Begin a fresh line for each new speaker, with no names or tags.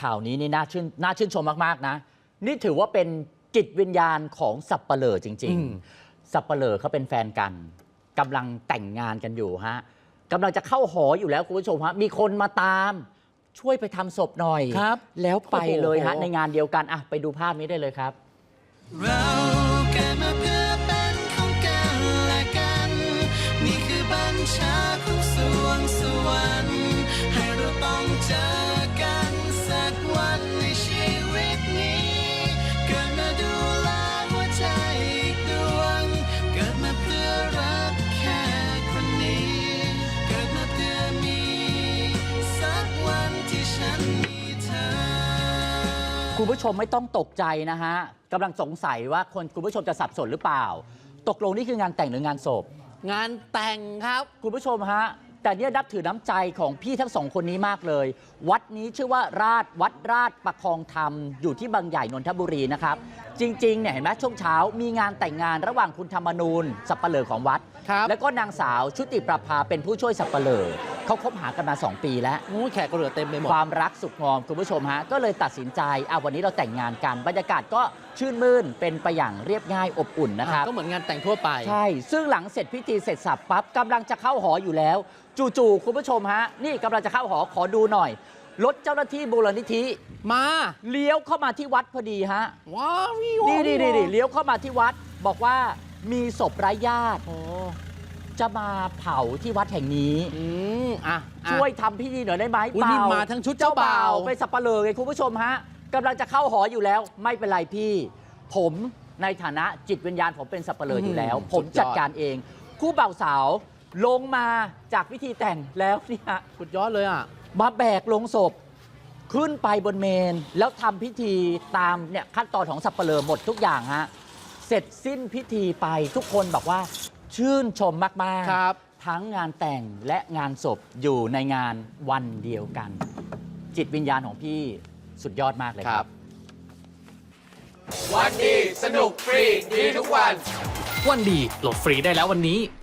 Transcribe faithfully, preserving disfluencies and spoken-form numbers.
ข่าวนี้นี่น่าชื่นน่าชื่นชมมากๆนะนี่ถือว่าเป็นจิตวิญญาณของสับเปลอจริงๆสับเปลอเขาเป็นแฟนกันกำลังแต่งงานกันอยู่ฮะกำลังจะเข้าหออยู่แล้วคุณผู้ชมฮะมีคนมาตามช่วยไปทำศพหน่อยครับแล้วไปเลยฮะในงานเดียวกันอ่ะไปดูภาพนี้ได้เลยครับ
เราเกิดมาเพื่อเป็นของกันและกันนี่คือบัญชาของสวงสวรรค์ให้เราต้องเจอกันสักวันในชีวิตนี้เกิดมาดูแลหัวใจอีกดวงเกิดมาเพื่อรักแค่คนนี้เกิดมาเพื่อมีสักวันที่ฉันมีเธอ
คุณผู้ชมไม่ต้องตกใจนะฮะกำลังสงสัยว่าคนคุณผู้ชมจะสับสนหรือเปล่าตกลงนี่คืองานแต่งหรืองานศพ
งานแต่งครับ
คุณผู้ชมฮะแต่เนี่ยนับถือน้ำใจของพี่ทั้งสองคนนี้มากเลยวัดนี้ชื่อว่าราชวัดราชประคองธรรมอยู่ที่บางใหญ่นนทบุรีนะครับจริงๆเนี่ยเห็นไหมช่วงเช้ามีงานแต่งงานระหว่างคุณธรรมนูญสับปะเลอของวัดแล้วก็นางสาวชุติประภาเป็นผู้ช่วยสับปะเลอเขาคบหากันมาสองปีแล้ว
แขกก็เหลือเต็มไปหมด
ความรักสุขงอมคุณผู้ชมฮะก็เลยตัดสินใจอ่ะวันนี้เราแต่งงานกันบรรยากาศก็ชื่นมื่นเป็นไปอย่างเรียบง่ายอบอุ่นนะครับ
ก็เหมือนงานแต่งทั่วไป
ใช่ซึ่งหลังเสร็จพิธีเสร็จสับปั๊บกำลังจะเข้าหออยู่แล้วจู่ๆคุณผู้ชมฮะนี่กำลังจะเข้าหอขอดูหน่อยรถเจ้าหน้าที่มูลนิธิ
มา
เลี้ยวเข้ามาที่วัดพอดีฮะ
ว้าว
นี่นี่นี่เลี้ยวเข้ามาที่วัดบอกว่ามีศพไร้ญาติจะมาเผาที่วัดแห่งนี้ช่วยทำพิธีหน่อยได้ไหมเปล่า
มาทั้งชุดเจ้าบ่าว
ไปสับปะเลอไงคุณผู้ชมฮะกำลังจะเข้าหออยู่แล้วไม่เป็นไรพี่ผมในฐานะจิตวิญญาณผมเป็นสับปะเลออยู่แล้วผมจัดการเองคู่บ่าวสาวลงมาจากพิธีแต่งแล้วเนี่ย
สุดยอดเลยอ่ะ
มาแบกลงศพขึ้นไปบนเมนแล้วทำพิธีตามเนี่ยขั้นตอนของสับปะเลอหมดทุกอย่างฮะเสร็จสิ้นพิธีไปทุกคนบอกว่าชื่นชมมากๆครับทั้งงานแต่งและงานศพอยู่ในงานวันเดียวกันจิตวิญญาณของพี่สุดยอดมากเลยครับ
วันดีสนุกฟรีดีทุกวัน
วันดีโหลดฟรีได้แล้ววันนี้